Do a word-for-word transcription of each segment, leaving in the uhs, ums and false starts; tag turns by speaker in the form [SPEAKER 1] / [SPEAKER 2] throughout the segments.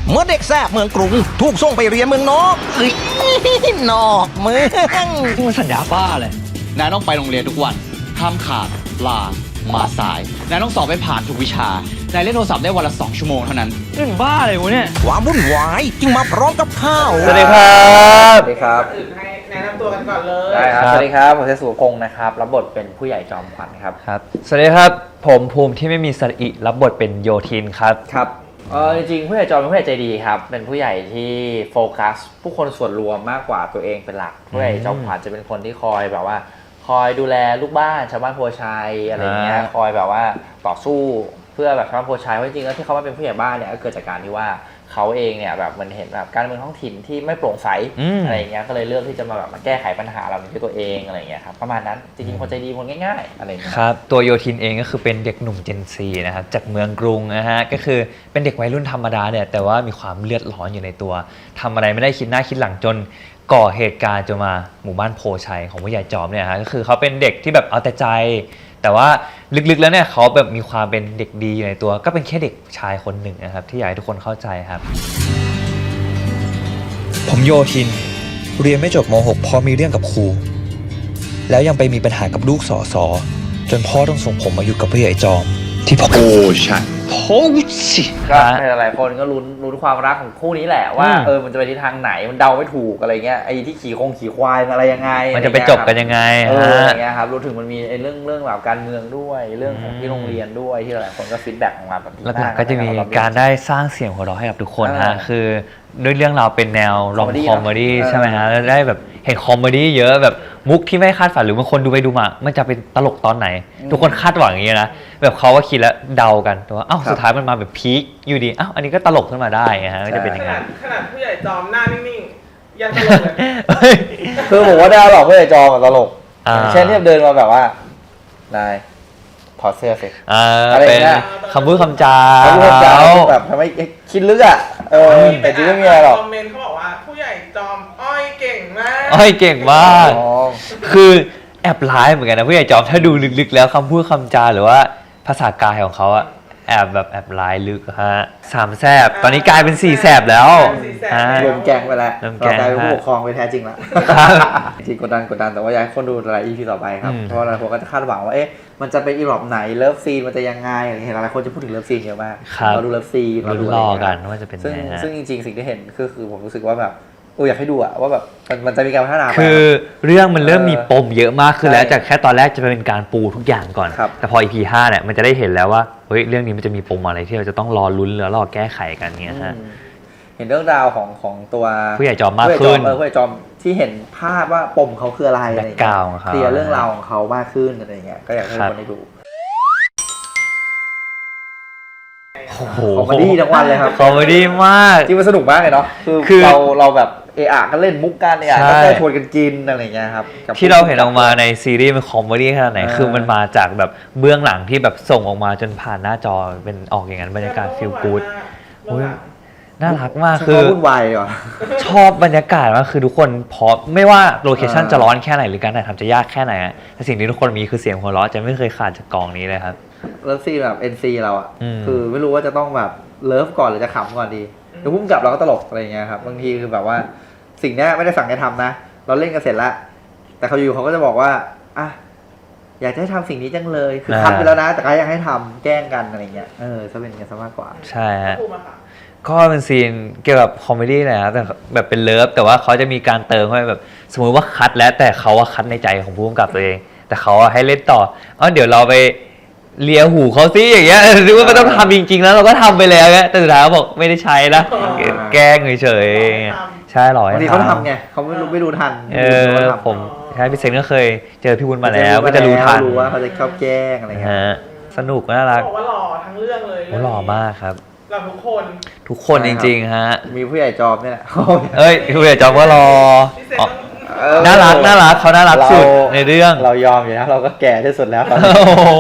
[SPEAKER 1] เมื่อเด็กแซ่บเมืองกรุงถูกส่งไปเรียนเมืองนอกเอ้ยนอกเมือง
[SPEAKER 2] นี่มันสัญญาบ้าเลย
[SPEAKER 3] นายต้องไปโรงเรียนทุกวัน ห้ามขาด ลา มาสาย นายต้องสอบไปผ่านทุกวิชา นายเล่นโทรศัพท์ได้วันละสองชั่วโมงเท่านั้น
[SPEAKER 2] เรื่องบ้าเลยวะเนี่ย
[SPEAKER 1] ความวุ่นวายจึงมาพร้อมกับข้าว
[SPEAKER 4] สวัสดีครับสวัสดีครับ
[SPEAKER 5] อื่นให้แนะนำตัวกันก่อนเลย
[SPEAKER 4] ได้ครับ สวัสดีครับ ผมเทสุพงศ์นะครับ รับบทเป็นผู้ใหญ่จอมขวัญครับ
[SPEAKER 2] ครับ สวัสดีครับ ผมภูมิที่ไม่มีสระอิรับบทเป็นโยทินครับ
[SPEAKER 4] ครับเออจริงๆผู้ใหญ่จอมเป็นผู้ใหญ่ใจดีครับ เป็นผู้ใหญ่ที่โฟกัสผู้คนส่วนรวมมากกว่าตัวเองเป็นหลัก ผู้ใหญ่จอมขวัญจะเป็นคนที่คอยแบบว่า คอยดูแลลูกบ้านชาวบ้านโพชัยอะไรเงี้ย
[SPEAKER 2] อ่า
[SPEAKER 4] คอยแบบว่าต่อสู้เพื่อแบบชาวบ้านโพชัยเพราะจริงๆแล้วที่เขามาเป็นผู้ใหญ่บ้านเนี่ยก็เกิดจากการที่ว่าเขาเองเนี่ยแบบมันเห็นแบบการเมืองท้องถิ่นที่ไม่โปร่งใสอะไรเงี้ยก็เลยเลือกที่จะมาแบบมาแก้ไขปัญหาเหล่านี้ด้วยตัวเองอะไรเงี้ยครับประมาณนั้นจริงๆคนใจดีคนง่ายๆอะไรเงี้ย
[SPEAKER 2] ครับ ตัวโยทินเองก็คือเป็นเด็กหนุ่มเจนซีนะครับจากเมืองกรุงนะฮะ ก็คือเป็นเด็กวัยรุ่นธรรมดาเนี่ยแต่ว่ามีความเลือดร้อนอยู่ในตัวทำอะไรไม่ได้คิดหน้าคิดหลังจนก่อเหตุการณ์จนมาหมู่บ้านโพชัยของผู้ใหญ่จอมเนี่ยฮะก็คือเขาเป็นเด็กที่แบบเอาแต่ใจ แต่ว่าลึกๆแล้วเนี่ยเขาแบบมีความเป็นเด็กดีอยู่ในตัว ก็เป็นแค่เด็กชายคนหนึ่งนะครับที่อยากให้ทุกคนเข้าใจครับ
[SPEAKER 6] ผมโยทินเรียนไม่จบม .หก เพราะมีเรื่องกับครูแล้วยังไปมีปัญหากับลูกสอสอจนพ่อต้องส่งผมมาอยู่กับผู้ใหญ่จอมที่พ่อ
[SPEAKER 3] โอ้ใช่โพชิ
[SPEAKER 4] ก็หลายๆคนก็ลุ้นลุ้นความรักของคู่นี้แหละว่าเออมันจะไปทิศทางไหนมันเดาไม่ถูกอะไรเงี้ยไอ้ที่ขี่คงขี่ควายอะไรยังไง
[SPEAKER 2] มันจะไปจบกันยังไง
[SPEAKER 4] เออ
[SPEAKER 2] ฮะ
[SPEAKER 4] อย่างเงี้ยครับรู้ถึงมันมีไอ้เรื่องเรื่องแบบการเมืองด้วยเรื่องของที่โรงเรียนด้วยที่หลายคนก็ฟีดแบ็กออกมาแบบ
[SPEAKER 2] แล้วก็จะมีการได้สร้างเสียงหัวเราะให้กับทุกคนฮะคือด้วยเรื่องราวเป็นแนวรอมคอมเมดี้ใช่ไหมฮะแล้วได้แบบเห็นคอมเมดี้เยอะแบบมุกที่ไม่คาดฝันหรือบางคนดูไปดูมามันจะเป็นตลกตอนไหน ทุกคนคาดหวังอย่างนี้นะแบบเขาว่าคิดแล้วเดากันแต่ว่าอ้าวสุดท้ายมันมาแบบพีคอยู่ดีอ้าวอันนี้ก็ตลกขึ้นมาได้ฮะก็จะเป็น
[SPEAKER 5] ข
[SPEAKER 2] อย่าง
[SPEAKER 5] นา
[SPEAKER 2] นั้
[SPEAKER 5] ด
[SPEAKER 2] น
[SPEAKER 5] ขนาดผู้ใหญ่จอมหน้านิ่งๆ ยังตลกเลย
[SPEAKER 4] คือผมว่าได้หรอกผู้ใหญ่จอมตลก
[SPEAKER 2] อ่า
[SPEAKER 4] เช่นที่เดินมาแบบว่านายถอดเสื้อสิ
[SPEAKER 2] อ่า
[SPEAKER 4] อะไร
[SPEAKER 2] เป็น
[SPEAKER 4] เงี้ย
[SPEAKER 2] คำพูดคำจา
[SPEAKER 4] เขาพูดจาแบบทำให้คิดลึกอ่ะเออแต่จริงไม่มีอะไรหรอก
[SPEAKER 5] คอมเมนต์เขาบอกว่าผู้ใหญ่จอมอ้อยเก่งมาก
[SPEAKER 2] อ้อยเก่งมาก
[SPEAKER 4] อ๋อ
[SPEAKER 2] คือแอบร้ายเหมือนกันนะผู้ใหญ่จอมถ้าดูลึกๆแล้วคำพูดคำจาหรือว่าภาษากายของเขาอะแอบแบบแอบร้ายลึกฮะสามแสบตอนนี้กลายเป็นสี่แสบแล้วฮะ
[SPEAKER 4] รวมแกงไปแล้ว
[SPEAKER 2] รวมแก
[SPEAKER 4] เรา
[SPEAKER 2] ง
[SPEAKER 4] กลายเป็นผู้ปกครองไปแท้จริงแล้ว
[SPEAKER 2] ครับ
[SPEAKER 4] จริงกดดันกดดันแต่ว่าอยากให้คนดูหลาย อี พี ต่อไปครับ
[SPEAKER 2] อืม
[SPEAKER 4] เพราะหลายคนก็จะคาดหวังว่าเอ๊ะมันจะเป็นอีหลอบไหนเลิฟซีนมันจะยังไงอะไรเห็นหลายคนจะพูดถึงเลิฟซีนเยอะมาก
[SPEAKER 2] ครับ
[SPEAKER 4] เราดูเลิฟซีนเราดู
[SPEAKER 2] ลุ้น
[SPEAKER 4] อะไร
[SPEAKER 2] รอ
[SPEAKER 4] อย่าง
[SPEAKER 2] กั
[SPEAKER 4] เงี้
[SPEAKER 2] น
[SPEAKER 4] ย
[SPEAKER 2] ว่าจะเป็น
[SPEAKER 4] ซึ่ง
[SPEAKER 2] ไงฮะ
[SPEAKER 4] ซึ่งจริงๆสิ่งที่เห็นคือคือผมรู้สึกว่าแบบเอออยากให้ดูอะว่าแบบมันมันจะมีการพัฒนาไป
[SPEAKER 2] คือเรื่องมันเริ่ม
[SPEAKER 4] เออ
[SPEAKER 2] มีปมเยอะมากขึ้นแล้ว
[SPEAKER 4] ใช่
[SPEAKER 2] จากแค่ตอนแรกจะเป็นการปูทุกอย่างก่อน
[SPEAKER 4] ครับ
[SPEAKER 2] แต่พอ อี พี ห้าเนี่ยมันจะได้เห็นแล้วว่าเฮ้ยเรื่องนี้มันจะมีปมอะไรที่เราจะต้องรอลุ้นแล้วรอแก้ไขกันเงี้ยฮะ
[SPEAKER 4] อืมเห็นเรื่องราวของของตัว
[SPEAKER 2] ผู้ใหญ่จอมมาก
[SPEAKER 4] ผู้ใหญ่
[SPEAKER 2] ขึ้น
[SPEAKER 4] เออผู้ใหญ่จอมที่เห็นภาพว่าปมเขาคืออะไรอะไรอย่างเงี้ย
[SPEAKER 2] background ของเขา
[SPEAKER 4] เคลียร์เรื่องราวของเขามากขึ้นอะไรอย่างเงี้ยก็อยากให้ทุกคนได้ดู
[SPEAKER 2] โอ้โห
[SPEAKER 4] คอมเมดี้ทั้งวันเลยครับ
[SPEAKER 2] คอมเมดี้มาก
[SPEAKER 4] จริงมันสนุกมากเลยเนาะคือ
[SPEAKER 2] คือ
[SPEAKER 4] เราเราแบบเอะอะก็เล่นมุกกันเอะอะ
[SPEAKER 2] ใช่
[SPEAKER 4] ก็ได้ชวนกันกินอะไรอย่างเงี้ยครับกับ
[SPEAKER 2] ที่เราเห็นออกมาในซีรีส์มันคอมเมดี้ขนาดไหน
[SPEAKER 4] เออ
[SPEAKER 2] คือมันมาจากแบบเบื้องหลังที่แบบส่งออกมาจนผ่านหน้าจอเป็นออกอย่างนั้นบรรยากาศฟีลกู๊ด
[SPEAKER 5] เรื่องหลัง
[SPEAKER 2] น่ารักมาก
[SPEAKER 4] ใช่
[SPEAKER 2] คือ
[SPEAKER 4] เขาวุ่นวายเหรอ
[SPEAKER 2] ชอบบรรยากาศมากคือทุกคนพร้อมไม่ว่าโลเคชั่น
[SPEAKER 4] เออ
[SPEAKER 2] จะร้อนแค่ไหนหรือการถ่ายทำจะยากแค่ไหนอะแต่สิ่งที่ทุกคนมีคือเสียงหัวเราะจะไม่เคยขาดจากกองนี้เลยครับ
[SPEAKER 4] เลิฟซีนแบบ เอ็น ซี เราอ่ะ
[SPEAKER 2] อืม
[SPEAKER 4] คือไม่รู้ว่าจะต้องแบบเลิฟก่อนหรือจะขำก่อนดีเดี๋ยวพุ่งกลับเราก็ตลกอะไรอย่างเงี้ยครับบางทีคือแบบว่าสิ่งเนี้ยไม่ได้สั่งให้ทำนะ เราเล่นกันเสร็จแล้วแต่เขาอยู่เขาก็จะบอกว่าอ่ะอยากจะให้ทำสิ่งนี้จังเลยคือทำไปแล้วนะ แต่ก็ยังให้ทำแกล้งกันอะไรเงี้ยเออจะเป็นกันซะมากกว่า
[SPEAKER 2] ใช่ฮะ
[SPEAKER 5] พูดมาค่ะ
[SPEAKER 2] ก็เป็นซีนเกี่ยวกับคอมเมดี้นะครับแต่แบบเป็นเลิฟแต่ว่าเขาจะมีการเติมเข้าไปแบบสมมติว่าคัดแล้วแต่เขาว่าคัดในใจของผู้กำกับตัวเอง แต่เขาให้เล่นต่ออ๋อเดี๋ยวเราไปเลียหูเขาซิอย่างเงี้ยนึกว่าไม่ต้องทำจริงๆแล้วเราก็ทำไปแล้วเงี้ยแต่สุดท้ายเขาบอกไม่ได้ใช้นะ
[SPEAKER 4] อ่า
[SPEAKER 2] แกล้งเฉยๆใช่หรอบ
[SPEAKER 4] างทีเขาทำไงเขาไม่รู้ไม่รู้ทัน
[SPEAKER 2] เอ
[SPEAKER 4] ไม่รู้
[SPEAKER 2] อ
[SPEAKER 4] ว่าทำ
[SPEAKER 2] ผมใช่พี่เซนก็เคยเจอพี่วุ้นมาแล้วก็จะรู้ทัน
[SPEAKER 4] รู้ว่าเขาจะชอบแกล้งอะไรเงี้ย
[SPEAKER 2] ฮะสนุกน่ารัก
[SPEAKER 5] บอกว่าหล่อทั้งเรื่องเลย
[SPEAKER 2] โอ้หล่อมากครับ
[SPEAKER 5] หล่อทุกคน
[SPEAKER 2] ทุกคนจริงๆฮะ
[SPEAKER 4] มีผู้ใหญ่จอมเนี่ยแหละ
[SPEAKER 2] เอ้ยคุณเดชจอมก็รอ
[SPEAKER 5] พี่เซน
[SPEAKER 2] อ๋อ
[SPEAKER 5] ต้อง
[SPEAKER 4] เออ
[SPEAKER 2] น่ารักน่ารักเขาน่ารักสุดในเรื่อง
[SPEAKER 4] เรายอมอยู่นะเราก็แก่ที่สุดแล้วตอน
[SPEAKER 2] โอ้
[SPEAKER 4] นี้
[SPEAKER 2] โห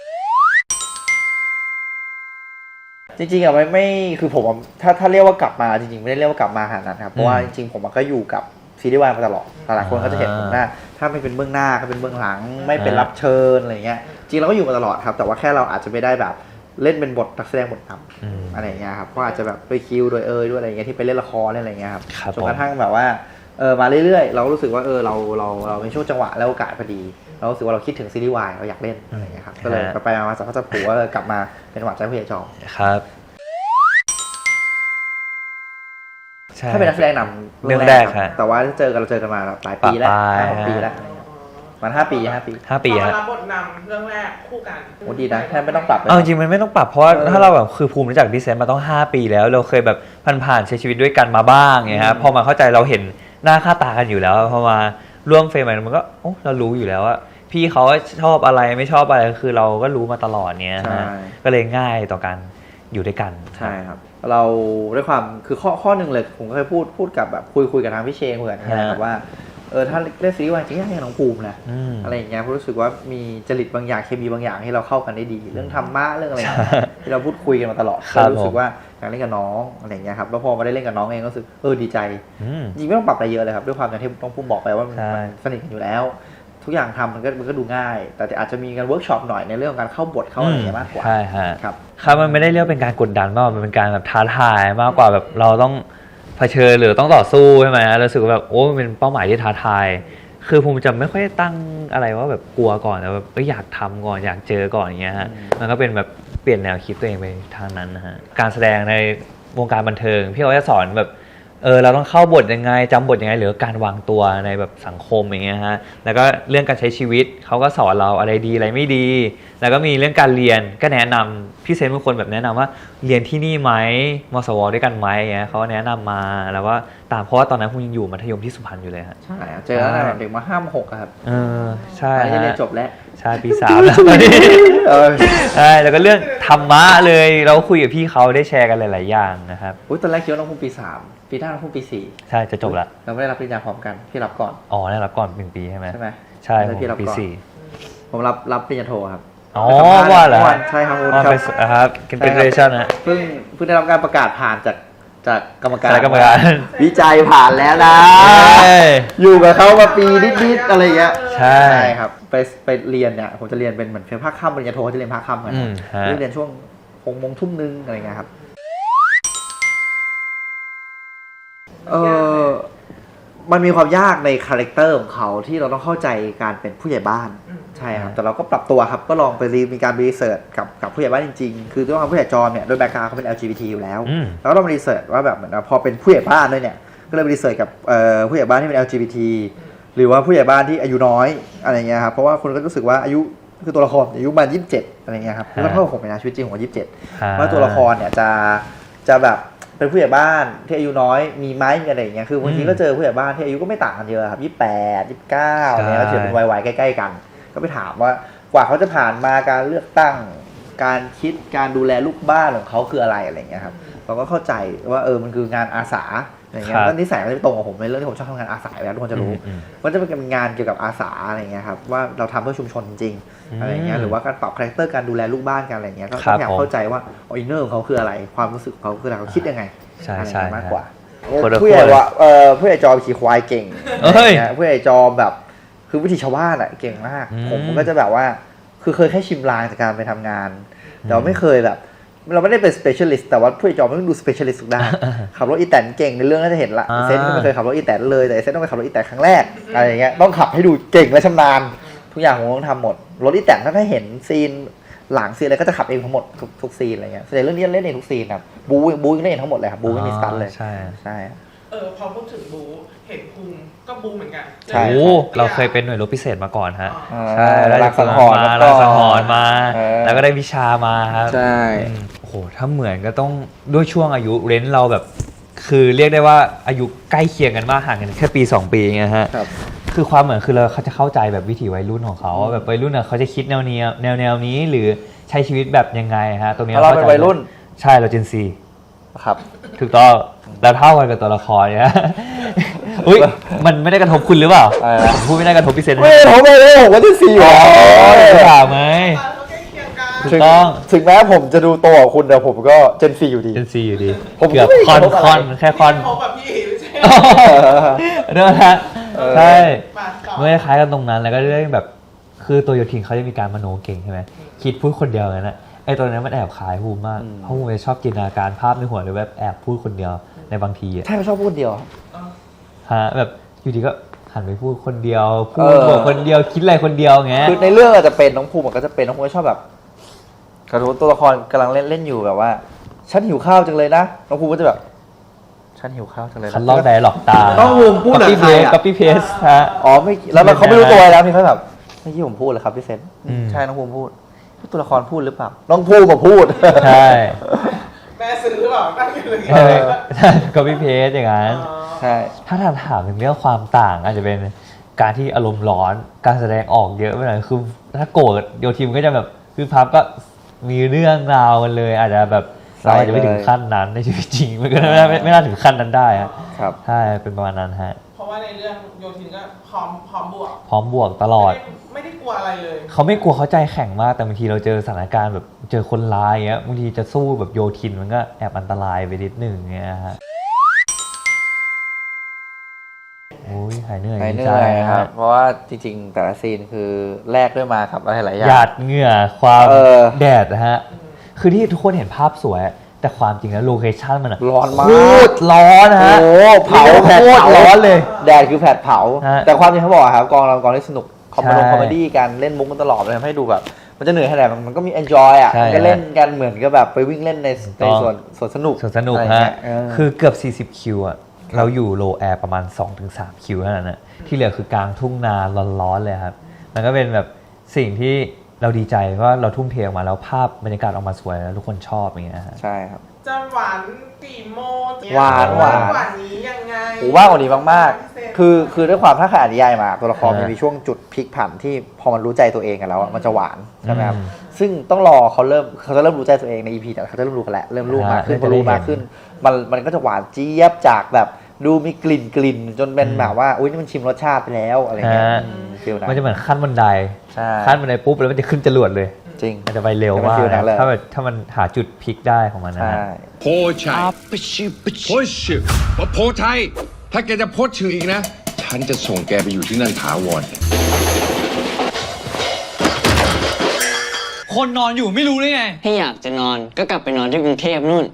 [SPEAKER 4] จริงๆอะไม่ไม่คือผมอะถ้าถ้าเรียกว่ากลับมาจริงๆไม่ได้เรียกว่ากลับมาขนาดนั้นครับเพราะว่าจริงๆผมก็อยู่กับซีรีส์วายมาตลอดหลายๆคนก็จะเห็นผมหน้าถ้าไม่เป็นเบื้องหน้าก็เป็นเบื้องหลัง ไม่เป็นรับเชิญอะไรเงี้ยจริงเราก็อยู่มาตลอดครับแต่ว่าแค่เราอาจจะไม่ได้แบบเล่นเป็นบทนักแสดงบทน
[SPEAKER 2] อืม
[SPEAKER 4] ำอะไรอย่างเงี้ยครับก็อาจจะแบบด้วยคิวโดยเอยด้วยอะไรอย่างเงี้ยที่ไปเล่นละครเล่นอะไรอย่างเงี้ยครับ
[SPEAKER 2] ครับ
[SPEAKER 4] จนกระทั่งแบบว่าเออมาเรื่อยๆ เราก็รู้สึกว่าเออเราเราเราเป็นช่วงจังหวะและโอกาสพอดี เรารู้สึกว่าเราคิดถึงซีรีส์วายเราอยากเล่นอะไรอย่างเงี้ยครับก็เลยไปๆมาๆสักพักจะผูว่าเออกลับมาเป็นหวานใจผู้ใหญ่จอม
[SPEAKER 2] ครับใช่
[SPEAKER 4] ถ้าเป็นนักแสดงนำ
[SPEAKER 2] เรื่องแรกครับ
[SPEAKER 4] แต่ว่าเจอกันเราเจอกันมาหลายปีแล้ว
[SPEAKER 2] ปะปลาย
[SPEAKER 4] ห้าหกปีแล้วมันห้าปีห้าปี
[SPEAKER 2] ห้าปี
[SPEAKER 5] ตอน
[SPEAKER 2] ฮะ
[SPEAKER 5] รับบทนำเรื่องแรกคู่กัน
[SPEAKER 4] โอ้ดีนะแทบไม่ต้องปรับเลย
[SPEAKER 2] เอาจริงๆมันไม่ต้องปรับเพราะว่า
[SPEAKER 4] เออ
[SPEAKER 2] ถ้าเราแบบคือภูมิรู้จักดิเซนมาต้องห้าปีแล้ว เราเคยแบบผ่านๆใช้ชีวิตด้วยกันมาบ้างไงฮะพอมาเข้าใจเราเห็นหน้าค่าตากันอยู่แล้วพอมาร่วมเฟรมมันก็โอ้เรารู้อยู่แล้วว่าพี่เขาชอบอะไรไม่ชอบอะไรคือเราก็รู้มาตลอดเนี้ย
[SPEAKER 4] ใช่
[SPEAKER 2] ฮะก็เลยง่ายต่อการอยู่ด้วยกัน
[SPEAKER 4] ใช่ครับ เราด้วยความคือข้อข้อหนึ่งเลยผมก็เคยพูดพูดกับแบบคุยคุยกับทางพี่เชงคุยกับทางนะครับว่าเออถ้าเล่นซีรีส์วายจริงๆให้น้องภูมินะ
[SPEAKER 2] อืม
[SPEAKER 4] อะไรอย่างเงี้ยผมรู้สึกว่ามีจริตบางอย่างเคมีบางอย่างที่เราเข้ากันได้ดี เรื่องธรรมะเรื่องอะไรอย่างเงี้ยที่เราพูดคุยกันมาตลอด
[SPEAKER 2] ครับ
[SPEAKER 4] ก็รู้สึกว่าอยากเล่นกับน้องอะไรอย่างเงี้ยครับแล้วพอมาได้เล่นกับน้องเองก็รู้สึกเออดีใจ
[SPEAKER 2] อืม
[SPEAKER 4] จริงไม่ต้องปรับอะไรเยอะเลยครับด้วยความอย่างที่ต้องพูดบอกไปว่ามัน
[SPEAKER 2] ใช่
[SPEAKER 4] มันสนิทกันอยู่แล้ว ทุกอย่างทำมันก็มันก็ดูง่าย แต่อาจจะมีการเวิร์กช็อปหน่อยในเรื่องของการเข้าบทเข้าอะไรอย่างเงี้ยมากกว่า
[SPEAKER 2] ใช่ฮะ
[SPEAKER 4] ครับ
[SPEAKER 2] ครับมันไม่ได้เรียกเป็นการกดดันมากมันเป็นการแบบท้าทายมากกว่าแบบเราต้องเผชิญหรือต้องต่อสู้ใช่ไหมเรารู้สึกว่าแบบโอ้มันเป็นเป้าหมายที่ท้าทาย คือภูมิจะไม่ค่อยตั้งอะไรว่าแบบกลัวก่อนแต่แบบเอ้ยอยากทำก่อนอยากเจอก่อนอย่างเงี้ยฮะมันก็เป็นแบบเปลี่ยนแนวคิดตัวเองไปทางนั้นนะฮะการแสดงในวงการบันเทิงพี่เขาจะสอนแบบเออเราต้องเข้าบทยังไงจำบทยังไงหรือการวางตัวในแบบสังคมอย่างเงี้ยฮะแล้วก็เรื่องการใช้ชีวิตเขาก็สอนเราอะไรดีอะไรไม่ดี แล้วก็มีเรื่องการเรียนก็แนะนำพี่เซนบางคนแบบแนะนำว่าเรียนที่นี่ไหมมสวด้วยกันไหมอย่างเงี้ยเขาก็แนะนำมาแล้วว่าตามเพราะว่าตอนนั้นภูมิยังอยู่มัธยมที่สุพรรณอยู่เลยฮะ
[SPEAKER 4] ใช่ครับเจอแล้วนะเด็กมาห้ามหกอะครับ
[SPEAKER 2] เออใช่
[SPEAKER 4] อันนี้
[SPEAKER 2] ฮะ
[SPEAKER 4] เรียนจบแล้ว
[SPEAKER 2] ใช่ปีสามแล้วตอนนี้
[SPEAKER 4] เออ
[SPEAKER 2] ใช่แล้วก็เรื่องธรรมะเลยเราคุยกับพี่เขาได้แชร์กันหลายๆอย่างนะครับ
[SPEAKER 4] อุ้ยตอนแรกคิดว่าน้องภูมิปีสามปีหน้าน้องภูมิปีสี่
[SPEAKER 2] ใช่จะจบละ
[SPEAKER 4] เราไม่ได้รับปริญญาพร้อมกันพี่รับก่อน
[SPEAKER 2] อ๋อได้รับก่อนหนึ่งปีใช่ไหม
[SPEAKER 4] ใช่ไหม
[SPEAKER 2] ใช่ผ
[SPEAKER 4] แล้ว
[SPEAKER 2] ม
[SPEAKER 4] พี่รับ
[SPEAKER 2] ปี
[SPEAKER 4] ก่อน
[SPEAKER 2] สี่
[SPEAKER 4] ผมรับรับปริญญาโทครับ
[SPEAKER 2] อ๋อ
[SPEAKER 4] ไปสัมภษณ์
[SPEAKER 2] ว่าเหรอ
[SPEAKER 4] มื่นใช่ครับคุณ
[SPEAKER 2] อ๋อ
[SPEAKER 4] ครั
[SPEAKER 2] ไป
[SPEAKER 4] บ
[SPEAKER 2] สครับกินเป็นเรชั่นนะ
[SPEAKER 4] เพิ่งเพิ่งได้รับการประกาศผ่านจากจากกรรมการ
[SPEAKER 2] คณะกรรมการ
[SPEAKER 4] วิจัยผ่านแล้วนะ
[SPEAKER 2] เอ้ย
[SPEAKER 4] อยู่กับเขามาปีนิดๆอะไรอย่างเงี้ย
[SPEAKER 2] ใช่
[SPEAKER 4] ครับไปไปเรียนเนี่ยผมจะเรียนเป็นเหมือนเป็นภาคค่ำปริญญาโทจะเรียนภาคค่ำกัน
[SPEAKER 2] อืมฮะ
[SPEAKER 4] เรียนช่วงหกโมงทุ่มนึงอะไรเงี้ยครับเออมันมีความยากในคาแรคเตอร์ของเขาที่เราต้องเข้าใจการเป็นผู้ใหญ่บ้านใช่ครับแต่เราก็ปรับตัวครับก็ลองไปรีมีการรีเสิร์ชกับกับผู้ใหญ่บ้านจริงๆคือด้วยความผู้ใหญ่จอมเนี่ยโดยแบ็คกราวด์เขาเป็น แอล จี บี ที อยู่แล้ว
[SPEAKER 2] อืม
[SPEAKER 4] แล้วก็ต้องมารีเสิร์ชว่าแบบเหมือนว่าพอเป็นผู้ใหญ่บ้านด้วยเนี่ยก็เลยไปรีเสิร์ชกับเอ่อผู้ใหญ่บ้านที่เป็น แอล จี บี ที หรือว่าผู้ใหญ่บ้านที่อายุน้อยอะไรเงี้ยครับเพราะว่าคนก็รู้สึกว่าอายุคือตัวละครอายุประมาณยี่สิบเจ็ดอะไรเงี้ยครับก็เท่ากับผมเป็นนะชีวิตจริงผมยี่สิบเจ็ด
[SPEAKER 2] ฮะ
[SPEAKER 4] ว่าตัวละครเนี่ยจะจะแบบเป็นผู้ใหญ่บ้านที่อายุน้อยมีไหมมีอะไรอย่างเงี้ยคือบางทีก็เจอผู้ใหญ่บ้านที่อายุก็ไม่ต่างกันเยอะครับยี่สิบแปดยี่สิบเก้าเนี่ยก็ถือเป็นวัยๆใกล้ๆกัน ก็ไปถามว่ากว่าเขาจะผ่านมาการเลือกตั้งการคิดการดูแลลูกบ้านของเขาคืออะไรอะไรเงี้ยครับเราก็เข้าใจว่าเออมันคืองานอาสาอะไรเงี้ยแล้วนิสัยมันจะตรงกับผมในเรื่องที่ผมชอบทำงานอาสาอยู่แล้วทุกคนจะรู้
[SPEAKER 2] อืม
[SPEAKER 4] มันจะเป็นงานเกี่ยวกับอาสาอะไรเงี้ยครับว่าเราทำเพื่อชุมชนจริงๆอะไรเงี้ยหรือว่าการปรับคาแรคเตอร์การดูแลลูกบ้านกันอะไรเงี้ยก็
[SPEAKER 2] ครับ
[SPEAKER 4] พยายามเข้าใจว่าอินเนอร์ของเขาคืออะไรความรู้สึกของเขาคืออะไรเขาคิดยังไง
[SPEAKER 2] ใช่
[SPEAKER 4] อะไร
[SPEAKER 2] ใช่
[SPEAKER 4] เงี้ยมากกว่า
[SPEAKER 2] คนละ
[SPEAKER 4] ผู้ใหญ่
[SPEAKER 2] คน
[SPEAKER 4] ว่าเออผู้ใหญ่จอมขี่ควายเก่ง
[SPEAKER 2] เอ้ย
[SPEAKER 4] อะไรเงี้ยผู้ใหญ่จอมแบบคือวิถีชาวบ้านอะเก่งมาก
[SPEAKER 2] อืม
[SPEAKER 4] ผมก็จะแบบว่าคือเคยแค่ชิมลางจากการไปทำงาน แต่ว่าไม่เคยแบบ เราไม่ได้เป็น specialist แต่ว่าผู้ใหญ่จอมมันต้องดู specialist ทุกด้าน ขับรถอีแตนเก่งในเรื่องน่าจะเห็นละ
[SPEAKER 2] อ่า
[SPEAKER 4] เซนก็ไม่เคยขับรถอีแตนเลยแต่เซนต้องไปขับรถอีแตนครั้งแรกอะไรอย่างเงี้ยต้องขับให้ดูเก่งและชำนาญทุกอย่างผมต้องทำหมดรถอีแตนถ้าถ้าเห็นซีนหลังซีนอะไรก็จะขับเองทั้งหมดทุกทุกซีนอะไรเงี้ยแสดงเรื่องนี้เล่นเองทุกซีนครับบูบูเล่นเองทั้งหมดเลยครับบูไม่มีสตันเลย
[SPEAKER 2] ใช่
[SPEAKER 4] ใช่
[SPEAKER 5] เออพอพูดถึงบูเห็นภูมิก็บูเหมือนกัน
[SPEAKER 4] ใช่
[SPEAKER 2] โอ้เราเคยเป็นหน่วยรบพิเศษมาก่อนฮะ
[SPEAKER 5] อ๋อ
[SPEAKER 2] ใช่
[SPEAKER 4] รั
[SPEAKER 2] ได้
[SPEAKER 4] กสังหรณ์
[SPEAKER 2] มา
[SPEAKER 4] แล้วก็
[SPEAKER 2] รักสังหรณ์มา
[SPEAKER 4] เออ
[SPEAKER 2] แล้วก็ได้วิชามาครับ
[SPEAKER 4] ใช่
[SPEAKER 2] อืมโอ้โหถ้าเหมือนก็ต้องด้วยช่วงอายุเรนจ์เราแบบ คือเรียกได้ว่าอายุใกล้เคียงกันมากห่างกันแค่ปีสองปีไงฮะ
[SPEAKER 4] ครับ
[SPEAKER 2] คือความเหมือนคือเราเขาจะเข้าใจแบบวิถีวัยรุ่นของเขาว่าแบบวัยรุ่นน่ะเขาจะคิดแนวเนี้ยแนวแนวนี้หรือใช้ชีวิตแบบยังไงฮะตรงนี้
[SPEAKER 4] เราเป็น
[SPEAKER 2] ข้ใจ
[SPEAKER 4] วัยรุ่น
[SPEAKER 2] ใช่เราเจนซี
[SPEAKER 4] ครับ
[SPEAKER 2] ถูกต้องเราเท่ากันกับตัวละครเนี่ย อุ้ยมันไม่ได้กระทบคุณหรือเปล่า
[SPEAKER 4] อะไรนะ
[SPEAKER 2] ผมพูดไม่ได้กระทบพี่เซน
[SPEAKER 4] ไม่ผมไม่ได้ผมก็จะสี่
[SPEAKER 2] อ๋อถามไหม
[SPEAKER 5] เขาใกล้เคียงกัน
[SPEAKER 2] ถูกต้อง
[SPEAKER 4] ถึงแม้ผมจะดูโตกว่าคุณแต่ผมก็เจนซีอยู่ดี
[SPEAKER 2] เจนซีอยู่ดี
[SPEAKER 4] ผม
[SPEAKER 2] เกือบ
[SPEAKER 4] ไม่ได้
[SPEAKER 2] คอน
[SPEAKER 4] กระทบอะไร
[SPEAKER 2] คอนแค่คอน
[SPEAKER 5] พบกับพี่ไม่ใช่
[SPEAKER 2] เรื่องนะใช่
[SPEAKER 5] มาต่อ
[SPEAKER 2] ไม่ได้คล้ายกันตรงนั้นแล้วก็เรื่องแบบคือตัวโยทินเขาจะมีการมโนเก่งใช่ไหมคิดพูดคนเดียวกันนะไอ้ตัวนี้มันแอบขายภูมิมาก
[SPEAKER 4] อืม
[SPEAKER 2] เพราะภูมิจะชอบจินตนาการภาพในหัวเลยแบบแอบพูดคนเดียวในบางทีอะ
[SPEAKER 4] ใช่ไม่ชอบพูดเดียว
[SPEAKER 2] ฮะแบบอยู่ดีก็หันไปพูดคนเดียวพู
[SPEAKER 4] เอ
[SPEAKER 2] ด
[SPEAKER 4] อ
[SPEAKER 2] บอกคนเดียวคิดอะไรคนเดียวอย่างเงี้ย
[SPEAKER 4] คือในเรื่องอาจจะเป็นน้องภูมิมันก็จะเป็นน้องภูมิก็ชอบแบบกระทู้ตัวละครกำลังเล่นเล่นอยู่แบบว่า ฉันหิวข้าวจังเลยนะน้องภูมิก็จะแบบฉันหิวข้าวจังเลยนะ
[SPEAKER 2] คันลอกไดร์ล็อกตาม
[SPEAKER 4] น้องภูมิพูด
[SPEAKER 2] กับ
[SPEAKER 4] กับ
[SPEAKER 2] พี่
[SPEAKER 4] ใค
[SPEAKER 2] เพ
[SPEAKER 4] ร
[SPEAKER 2] ส
[SPEAKER 4] อะ
[SPEAKER 2] กับพี่เพสฮะ
[SPEAKER 4] อ๋อไม่แล้วมันเขาไม่รู้ตัวแล้วพี่เขาแบบไม่ที่ผมพูดเลยครับพี่เซน
[SPEAKER 2] อืม
[SPEAKER 4] ใช่น้องภูมิพูดตัวละครพูดหรือเปล่าน้องภูมิมาพูด
[SPEAKER 2] ใช่
[SPEAKER 5] แม่ซื้อหรือเปล่าตั้งอยู่เลย
[SPEAKER 2] เออกับพี่เพสอย่างนั้น
[SPEAKER 4] ใช่
[SPEAKER 2] ถ้าถามถามถึงเรื่องความต่างอาจจะเป็นการที่อารมณ์ร้อนการแสดงออกเยอะไปหน่อยคือถ้าโกรธโยทีมก็จะแบบคือพับก็มีเรื่องราวกันเลย อาจจะแบบเราอาจจะไม่ถึงขั้นนั้นในชีวิตจริงมันก็ไม่น่าไม่ไม่น่าถึงขั้นนั้นได้อะ
[SPEAKER 4] ครับ
[SPEAKER 2] ใช่เป็นประมาณนั้นฮะ
[SPEAKER 5] เพราะว่าในเรื่องโยทินก็พร้อมพร้อมบวก
[SPEAKER 2] พร้อมบวกตลอด
[SPEAKER 5] ไม่ได้ไม่ได้กลัวอะไรเลย
[SPEAKER 2] เขาไม่กลัวเขาใจแข็งมากแต่บางทีเราเจอสถานการณ์แบบเจอคนร้ายเงี้ยบางทีจะสู้แบบโยทินมันก็แอบอันตรายไปนิดหนึ่งเงี้ยฮะโอ้ยหายเหนื่อย
[SPEAKER 4] หายเห
[SPEAKER 2] ดี
[SPEAKER 4] นื่
[SPEAKER 2] ใจ
[SPEAKER 4] อยครับ
[SPEAKER 2] ฮะ
[SPEAKER 4] เพราะว่าจริงๆ แต่ละซีนคือแลกด้วยมาครับอะไรหลายอย่า
[SPEAKER 2] หยาง ดเหงื่อความ
[SPEAKER 4] เออ
[SPEAKER 2] แดดนะฮะ คือที่ทุกคนเห็นภาพสวย แต่ความจริงแล้วโลเคชั่นมันอะ
[SPEAKER 4] ร้อนมาก
[SPEAKER 2] โคตรร้อนนะฮะ
[SPEAKER 4] โอ้เผาแผด
[SPEAKER 2] โคตร
[SPEAKER 4] เผา
[SPEAKER 2] ร้อนเลย
[SPEAKER 4] แดดคือแผดเผา
[SPEAKER 2] ฮะ
[SPEAKER 4] แต่ความจริงเขาบอกครับกองเรากองที่สนุกคอมเมดี้
[SPEAKER 2] ใช่
[SPEAKER 4] คอมเมดี้กันเล่นมุกกันตลอดเลยทำให้ดูแบบ มันจะเหนื่อยแค่ไหนมันก็มี enjoy อ่ะ
[SPEAKER 2] ใช่
[SPEAKER 4] มันก็เล่นกันเหมือนกับแบบไปวิ่งเล่นใน
[SPEAKER 2] ถูก
[SPEAKER 4] ใน
[SPEAKER 2] ต้อง
[SPEAKER 4] ส่วนส่วนสนุก
[SPEAKER 2] ส่วนสนุก
[SPEAKER 4] อะไร
[SPEAKER 2] ฮะ
[SPEAKER 4] เงี้ยเออ
[SPEAKER 2] คือเกือบ สี่สิบ คิวอะเราอยู่โลแอร์ประมาณ สองถึงสาม คิวเท่านั้นนะที่เหลือคือกลางทุ่งนาร้อนๆเลยครับ มันก็เป็นแบบสิ่งที่เราดีใจว่าเราทุ่มเทออกมาแล้วภาพบรรยากาศออกมาสวยแล้วทุกคนชอบอย่างเงี้ยฮะ
[SPEAKER 4] ใช่ครับ
[SPEAKER 5] จะหวานกี่โมง
[SPEAKER 4] หวานหวาน
[SPEAKER 5] หวานนี้ยังไง
[SPEAKER 4] โอ้ว่ากว่านี้มาก
[SPEAKER 5] พิเศษ
[SPEAKER 4] ๆ คือคือด้วยความถ้าใครอ่านนิยายมา ตัวละคร
[SPEAKER 2] อ่ามั
[SPEAKER 4] มันมีช่วงจุดพลิกผันที่พอมันรู้ใจตัวเองกันแล้วอะมันจะหวานใช่ไหมครับ
[SPEAKER 2] อืม
[SPEAKER 4] ซึ่งต้องรอเขาเริ่มเขาจะเริ่มรู้ใจตัวเองใน อี พี แต่เขาจะเริ่มรู้กันแล้วเริ่มรู้มากขึ้น
[SPEAKER 2] อ่า
[SPEAKER 4] พอรู้มากขึ้น มันมันก็จะหวานเจี๊ยบจากแบบดูมีกลิ่นกลิ่นจนเป็น
[SPEAKER 2] อืม
[SPEAKER 4] แบบว่าอุ้ยนี่มันชิมรสชาติไปแล้วอะไรเงี้ย
[SPEAKER 2] ฮะ
[SPEAKER 4] อืมฟีลนั้น
[SPEAKER 2] มันจะเหมือนขั้นบันได
[SPEAKER 4] ใช่
[SPEAKER 2] ขั้นบันไดปุ๊บแล้วมันจะขึ้นจรวดเลย
[SPEAKER 4] จริง
[SPEAKER 2] มันจะไปเร็ว
[SPEAKER 4] จะเป็น
[SPEAKER 2] มาก
[SPEAKER 4] ฟีลนั้นเลย
[SPEAKER 2] ถ้าแบบถ้ามันหาจุดพลิกได้ของมันนะ
[SPEAKER 4] ใช่
[SPEAKER 2] ฮะ
[SPEAKER 7] โพชัยโพชื่อว่าโพชัยถ้าแกจะโพสชื่ออีกนะ ฉันจะส่งแกไปอยู่ที่นั่นถาวร
[SPEAKER 3] คนนอนอยู่ไม่รู้ได้ไง
[SPEAKER 8] ถ้าอยากจะนอนก็กลับไปนอนที่กรุงเทพนู่น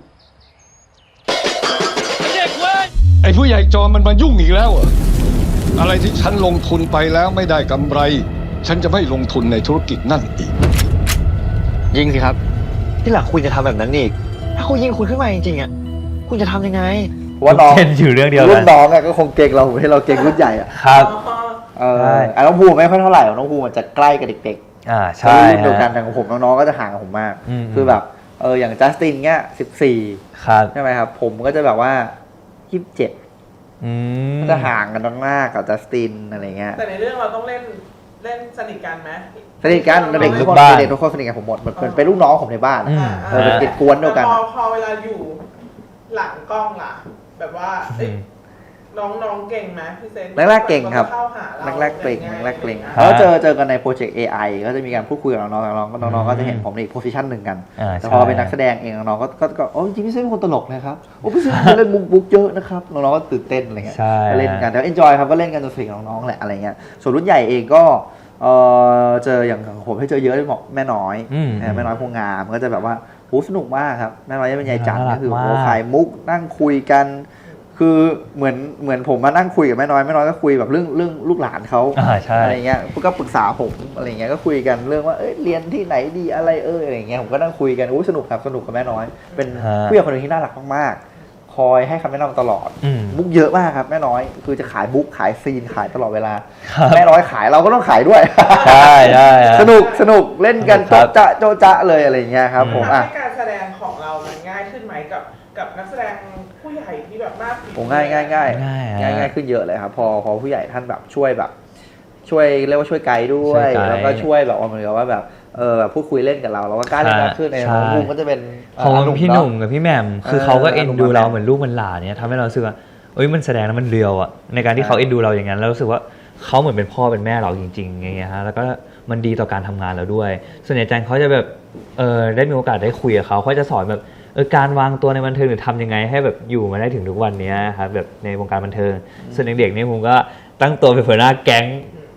[SPEAKER 7] ไอ้ผู้ใหญ่จอมมันมายุ่งอีกแล้วเหรออะไรที่ฉันลงทุนไปแล้วไม่ได้กำไร ฉันจะไม่ลงทุนในธุรกิจนั่นอีก
[SPEAKER 9] ยิงสิครับ ที่หลังคุณจะทำแบบนั้นอีก ถ้าเขายิงคุณขึ้นมาจริงๆอ่ะคุณจะทำยังไง
[SPEAKER 4] เพราะว่าน้อง
[SPEAKER 2] เช่นอยู่เรื่องเดียว
[SPEAKER 4] รุ่
[SPEAKER 2] กัน
[SPEAKER 4] นน้องอะก็คงเก่งเราให้เราเก่งรุ่นใหญ่อะ
[SPEAKER 2] ครับ
[SPEAKER 4] เออ
[SPEAKER 2] ใช่
[SPEAKER 4] อ่ะน้องภูมิไม่ค่อยเท่าไหร่หรอกน้องภูมิมันจะใกล้กับเด็กๆ
[SPEAKER 2] อ่า
[SPEAKER 4] ใช่
[SPEAKER 2] ใช่
[SPEAKER 4] รุ่นเดียวกัน
[SPEAKER 2] ฮะ
[SPEAKER 4] แต่ของผมน้องๆก็จะห่างกับผมมาก
[SPEAKER 2] อืม
[SPEAKER 4] คือแบบเอออย่างจัสตินเงี้ยสิบสี่
[SPEAKER 2] ครับ
[SPEAKER 4] ใช่ไหมครับ ผมก็จะแบบว่ายี่สิบเจ็ด
[SPEAKER 2] อืม
[SPEAKER 4] ก็จะห่างกันมากๆกับจัสตินอะไรเงี้ย
[SPEAKER 5] แต่ในเรื่องเราต้องเล่นเล่นสนิทกันไหม
[SPEAKER 4] สนิทกันเด็กทุกคน
[SPEAKER 2] บ้าน
[SPEAKER 4] เด็กทุกคนสนิทกันผมหมดเหมือนเป็นเป็นลูกน้องผมในบ้าน
[SPEAKER 2] อืม
[SPEAKER 4] เออเป็นเด็กกวนเดียวกัน
[SPEAKER 5] แต่พอพอเวลาอยู่หลังกล้องล่ะ แบบว่าเอ้ย
[SPEAKER 2] อืม
[SPEAKER 5] น้องน้องเก่งไหมพี่เซน
[SPEAKER 4] แรกๆเก่งครับ
[SPEAKER 5] เข้าหาเรา
[SPEAKER 4] แรกๆเกรง
[SPEAKER 5] ยังไง
[SPEAKER 4] แรกๆเกรง
[SPEAKER 2] ฮะ
[SPEAKER 4] แล้วเจอเจอกันในโปรเจกต์ เอ ไอ ก็จะมีการพูดคุยกับน้องๆน้องๆก็น้องๆก็จะเห็นผมในอีกโพสิชันหนึ่งกัน
[SPEAKER 2] อ่า
[SPEAKER 4] แต่
[SPEAKER 2] ใช่
[SPEAKER 4] พอเป็นนักแสดงเองน้องๆก็ก็ก็โอ้จริงๆพี่เซนเป็นคนตลกนะครับโอ้พี่เซนเล่นมุกมุกเยอะนะครับน้องๆก็ตื่นเต้นอะไรเงี้ย
[SPEAKER 2] ใช่
[SPEAKER 4] ก็เล่นกันแต่เอนจอยครับก็เล่นกันจนสนิทกับน้องๆแหละอะไรเงี้ยส่วนรุ่นใหญ่เองก็เออเจออย่างของผมให้เจอเยอะเลยบอกแม่น้อย
[SPEAKER 2] อืม
[SPEAKER 4] แม่น้อยพวงงามก็จะแบบว่าโหสนุกมากครับแม่น้อยเป็นยายจันทร์
[SPEAKER 2] น่ารั
[SPEAKER 4] ก็
[SPEAKER 2] ก
[SPEAKER 4] คือ
[SPEAKER 2] มาก
[SPEAKER 4] โอ้ขายมุกนั่งคุยกัน คือเหมือนเหมือนผมมานั่งคุยกับแม่น้อยแม่น้อยก็คุยแบบเรื่องเรื่องลูกหลานเขา
[SPEAKER 2] อ่าใช่
[SPEAKER 4] อะไรเงี้ยก็ปรึกษาผมอะไรเงี้ยก็คุยกันเรื่องว่าเอ้ยเรียนที่ไหนดีอะไรเอออะไรเงี้ยผมก็นั่งคุยกันอู้สนุกครับสนุกกับแม่น้อย เป็น
[SPEAKER 2] ฮะ
[SPEAKER 4] ผู้ใหญ่คนหนึงที่น่ารักมากๆคอยให้คำแนะนำตลอด
[SPEAKER 2] อืม
[SPEAKER 4] มุกเยอะมากครับแม่น้อยคือจะขายมุกขายซีนขายตลอดเวลา
[SPEAKER 2] ครับ
[SPEAKER 4] แม่น้อยขายเราก็ต้องขายด้วย
[SPEAKER 2] ใช่ใช่ฮะ
[SPEAKER 4] สนุกสนุกเล่นกัน
[SPEAKER 2] ครั
[SPEAKER 4] โจ๊ะ
[SPEAKER 2] บ
[SPEAKER 4] จ๊ะโจ๊ะจ๊ะเลยอะไรเงี้ยครับผม
[SPEAKER 5] ทำ
[SPEAKER 4] อ่ะ
[SPEAKER 5] ให้การแสดงของเรามันง่ายขึ้นไหมกับกับนักแสดงผู้ใหญ่ที่แบบมากฝีมือ
[SPEAKER 4] โอ้ง่ายง่ายง่าย
[SPEAKER 2] ง่ายฮะ
[SPEAKER 4] ง่ายง่ายขึ้นเยอะเลยครับพอพอผู้ใหญ่ท่านแบบช่วยแบบ ช่วยเรียกว่าช่วยไกด์ด้ว
[SPEAKER 2] ช่วย ยไกด์
[SPEAKER 4] แล้วก็ช่วยแบบว่าเหมือนกับว่าแบบเออแบบพูดคุยเล่นกับเราเราก็กล้าเล่นมากขึ้นใน
[SPEAKER 2] ใช่
[SPEAKER 4] น้องภูมิก็จะเป็น
[SPEAKER 2] ของ
[SPEAKER 4] า
[SPEAKER 2] พี่หนุ่มกับพี่แหม่มคือ
[SPEAKER 4] เออ
[SPEAKER 2] เขาก็เอ็นดูเรา
[SPEAKER 4] อารมณ์
[SPEAKER 2] เหมือนลูกเหมือนหลานเนี่ยทำให้เรารู้สึกว่าเอ้ยมันแสดงแล้วมันเรียวอะในการที่
[SPEAKER 4] ใช่
[SPEAKER 2] เขาเอ็นดูเราอย่างนั้นแล้วรู้สึกว่าเขาเหมือนเป็นพ่อเป็นแม่เราจริงๆอย่างเงี้ยฮะแล้วก็มันดีต่อการทำงานเราด้วย ส่วนใหญ่แจงเขาจะแบบเออได้มีโอกาสได้คุยกับเขาเขาจะสอนแบบเออการวางตัวในบันเทิงหรือทำยังไงให้แบบอยู่มาได้ถึงทุกวันเนี้ยครับแบบในวงการบันเทิงส่วนเด็กๆนี่ผมก็ตั้งตัวเป็นหัวหน้าแก๊ง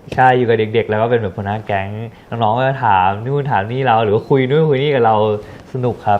[SPEAKER 2] ใช่อยู่กับเด็กๆ แล้วก็เป็นแบบหัวหน้าแก๊งน้องๆก็จะถามนู่นถามนี่เราหรือว่าคุยนู่นคุยนี่กับเราสนุกครับ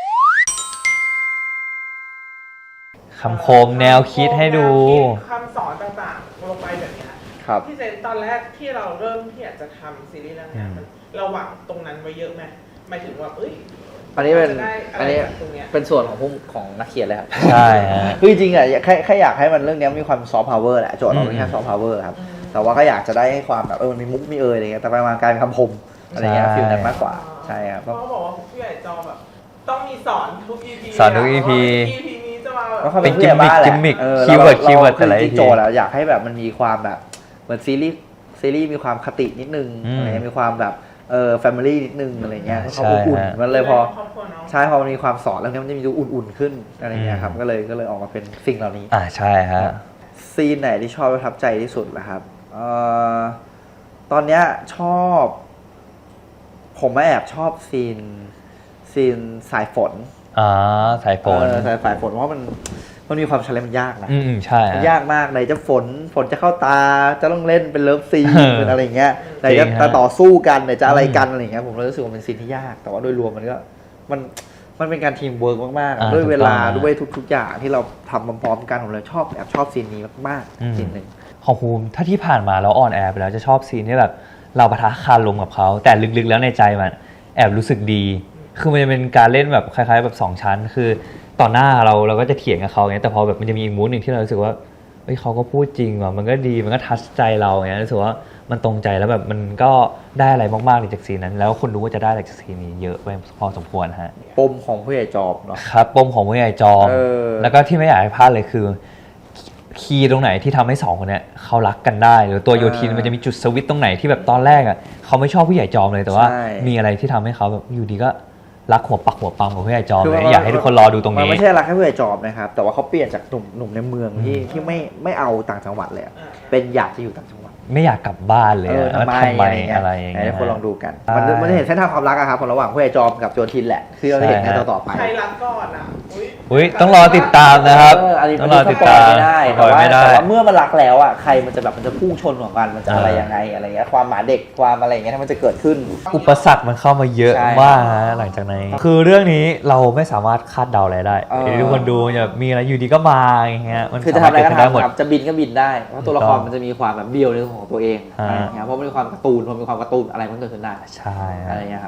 [SPEAKER 2] คำคมแนวคิดให้ดู
[SPEAKER 5] คำสอนต่างๆลงไปแบบเนี้ย
[SPEAKER 4] ครับ
[SPEAKER 5] พี่เซนตอนแรกที่เราเริ่มที่อยากจะทำซีรีส์เรื่องเนี้ยมันเราหวังตรงนั้นไว้เยอะไหมหมายถึงว่าเอ้ย
[SPEAKER 4] อันนี้เป็น
[SPEAKER 5] ราจะได้ะไร
[SPEAKER 4] อันนี้
[SPEAKER 5] จากตรงเนี้ย
[SPEAKER 4] เป็นส่วนของผู้ของนักเขียนเลยครับ
[SPEAKER 2] ใช่ฮะ
[SPEAKER 4] คือจริงๆอ่ะแค่แค่อยากให้มันเรื่องนี้มีความซอฟต์พาวเวอร์แหละโจทย์เราเป็นแค่ซอฟต์พาวเวอร์ครับแต่ว่าก็อยากจะได้ให้ความแบบเออมันมีมุกมีเอยอะไรเงี้ยแต่ไปมาการเป็นคำคมอะไรเงี้ย
[SPEAKER 2] ใช่
[SPEAKER 4] ฟิลนั้นมากกว่าใช่ครับ
[SPEAKER 5] เพราะเขาบอกว่าผู้ใหญ่จอแบบต้องมีสอนทุก อี พี
[SPEAKER 2] สอนทุก อี พี
[SPEAKER 5] อี พี นี้จะมาแบบ
[SPEAKER 4] ก็เขา
[SPEAKER 2] เป็
[SPEAKER 4] เป็น นผู้ใหญ่บ้านแหละ
[SPEAKER 2] กิมมิค
[SPEAKER 4] ออ
[SPEAKER 2] คีย์เวิร์ด
[SPEAKER 4] า
[SPEAKER 2] คีย์เวิร์ด
[SPEAKER 4] า
[SPEAKER 2] แต่ละ
[SPEAKER 4] จริง
[SPEAKER 2] อี
[SPEAKER 4] ๆ
[SPEAKER 2] พี
[SPEAKER 4] โจทย์อะอยากให้แบบมันมีความแบบเหมือนซีรีส์ซีรีส์มีความคตินิดนึง
[SPEAKER 2] อืม
[SPEAKER 4] อะไรเงี้ยมีความแบบเออแฟมิลี่นิดนึงอะไรเงี้ยเพราะเขา
[SPEAKER 2] ใช่
[SPEAKER 4] อบอุ่น
[SPEAKER 2] ฮะ
[SPEAKER 4] มันเลยพอ
[SPEAKER 5] ครอบครัวเนาะ
[SPEAKER 4] ใช่พอมันมีความสอนแล้วเนี่ยมันจะมีดูอุ่นๆขึ้นอะไรเงี้ยครับ
[SPEAKER 2] อืม
[SPEAKER 4] ก็เลยก็เลยออกมาเป็นสิ่งเหล่านี้
[SPEAKER 2] อ่าใช่ฮะ
[SPEAKER 4] ซีนไหนที่ชอบประทับใจที่สุดล่ะครับเอ่อตอนเนี้ยชอบ ผมแอบชอบซีนซีนสายฝน
[SPEAKER 2] อ่าสายฝน
[SPEAKER 4] เออสายสายฝนเพราะมันมันมีความชาเลนจ์มันยากนะ
[SPEAKER 2] อืมใช่
[SPEAKER 4] มัน
[SPEAKER 2] ฮะ
[SPEAKER 4] ยากมากไหนจะฝนฝนจะเข้าตาจะต้องเล่นเป็นเลิฟซีน
[SPEAKER 2] เออ
[SPEAKER 4] เป็นอะไรเงี้ยไหน
[SPEAKER 2] จริ
[SPEAKER 4] จะ
[SPEAKER 2] งฮะ
[SPEAKER 4] ต่อสู้กันไหนจะอะไร
[SPEAKER 2] อืม
[SPEAKER 4] กันอะไรเงี้ยผมเลยรู้สึกว่าเป็นซีนที่ยาก แต่ว่าโดยรวมมันก็มันมันเป็นการทีมเวิร์กมากๆ
[SPEAKER 2] อ่า
[SPEAKER 4] ด้วยเวลา
[SPEAKER 2] ถูกต้อง
[SPEAKER 4] ด้วยทุกๆอย่างที่เราทำพร้อมๆกันผมเลยชอบแอบชอบซีนนี้มาก
[SPEAKER 2] อืม
[SPEAKER 4] ๆซีนหนึ่ง
[SPEAKER 2] ของภูมิถ้าที่ผ่านมาเราออนแอร์ไปแล้วจะชอบซีนที่แบบเราปะทะคารมกับเขาแต่ลึกๆแล้วในใจมันแอบรู้สึกดี คือมันจะเป็นการเล่นแบบคล้ายๆแบบสองชั้น คือต่อหน้าเราเราก็จะเถียงกับเขาไงแต่พอแบบมันจะมีอีกมูดหนึ่งที่เรารู้สึกว่าเฮ้ยเขาก็พูดจริงว่ะมันก็ดีมันก็ทัชใจเราเงี้ยรู้สึกว่ามันตรงใจแล้วแบบมันก็ได้อะไรมากๆเลยจากซีนนั้น แล้วคนรู้ว่าจะได้อะไรจากซีนนี้เยอะไปพอสมควรฮะ
[SPEAKER 4] ปมของผู้ใหญ่จอบเนาะ
[SPEAKER 2] ครับปมของผู้ใหญ่จอม
[SPEAKER 4] เออ
[SPEAKER 2] แล้วก็ที่ไม่อยากให้พลาดเลยคือ คีย์ตรงไหนที่ทำให้สองคนเนี้ยเขารักกันได้ หรือตัวโยทินมันจะมีจุดสวิตช์ตรงไหนที่แบบตอนแรกอ่ะเขาไม่ชอบผู้ใหญ่จอมเลยแต่ว่า
[SPEAKER 4] ใช่
[SPEAKER 2] มีอะไรที่ทำให้เขาแบบอยู่ดีก็รักหัวปักหัวปั๊มกับผู้ใหญ่จอม
[SPEAKER 4] คือ
[SPEAKER 2] เล
[SPEAKER 4] มัน
[SPEAKER 2] ยอยากให้ทุกคนรอดูตรง
[SPEAKER 4] มัน
[SPEAKER 2] นี้
[SPEAKER 4] ไม่ใช่รักแค่ผู้ใหญ่จอบนะครับ แต่ว่าเขาเปลี่ยนจากหนุ่มหนุ่มในเมืองที่ที่ไม่ไม่เอาต่างจังหวัดเลยอะเป็นอยากจะอยู่ต่างจังหวัด
[SPEAKER 2] ไม่อยากกลับบ้านเลย
[SPEAKER 4] เออ
[SPEAKER 2] อะ
[SPEAKER 4] ทำไม
[SPEAKER 2] ทำไม
[SPEAKER 4] อะไรเงี้ย
[SPEAKER 2] อะไรอย่าง
[SPEAKER 4] ไหน
[SPEAKER 2] เงี้ย
[SPEAKER 4] ให้คนลองดูกัน
[SPEAKER 2] ใช่
[SPEAKER 4] มันมันจะเห็นเส้นทางความรักอะครับระหว่างผู้ใหญ่จอมกับโจทินแหละที่เราได้เห็นใน
[SPEAKER 2] ใช่ฮะ
[SPEAKER 4] ต่อต่อๆไป
[SPEAKER 5] ใครรักก่อนอ่ะอุ๊ย
[SPEAKER 2] อุ้ยต้องรอติดตามนะครับ
[SPEAKER 4] เอออันนี้
[SPEAKER 2] ต้
[SPEAKER 4] มั
[SPEAKER 2] อน งรอ
[SPEAKER 4] ส
[SPEAKER 2] ติด
[SPEAKER 4] ปอ
[SPEAKER 2] ตาย ม
[SPEAKER 4] ไม่ได้
[SPEAKER 2] สป
[SPEAKER 4] แต่
[SPEAKER 2] อย
[SPEAKER 4] ว่า
[SPEAKER 2] ไม่ได้
[SPEAKER 4] แต่ว่าเมื่อมันรักแล้วอะใครมันจะแบบมันจะพุ่งชนของกันมันจะอะไร
[SPEAKER 2] อ่ายั
[SPEAKER 4] ยังไงอะไรเงี้ยความหมาเด็กความอะไรเงี้ยถ้ามันจะเกิดขึ้น
[SPEAKER 2] อุปสรรคมันเข้ามาเยอะ
[SPEAKER 4] ใช่
[SPEAKER 2] มากฮะหลังจากนั้นคือเรื่องนี้เราไม่สามารถคาดเดาอะไรได้
[SPEAKER 4] เออ
[SPEAKER 2] เดี๋ยวทุกคนดูจะมีอะไรอยู่ดีก็มาอย่างเงี้ยมัน
[SPEAKER 4] คือจะ
[SPEAKER 2] สา
[SPEAKER 4] ทำ
[SPEAKER 2] มาร
[SPEAKER 4] อะ
[SPEAKER 2] ถ
[SPEAKER 4] ไร
[SPEAKER 2] เกิด
[SPEAKER 4] ก็
[SPEAKER 2] ขึ้นได้หมด
[SPEAKER 4] ทำครับจะบินก็บินได้เพราะตัวละคร
[SPEAKER 2] ถูกต้อง
[SPEAKER 4] มันจะมีความแบบเบี้ยวในของตัวเอง
[SPEAKER 2] ฮะ
[SPEAKER 4] อะไรเงี้ยเพราะมันมีความการ์ตูนพอมีความการ์ตูนอะไรมันเกิดขึ้นได้
[SPEAKER 2] ใช่ฮะ
[SPEAKER 4] อะไรเงี้ยครับ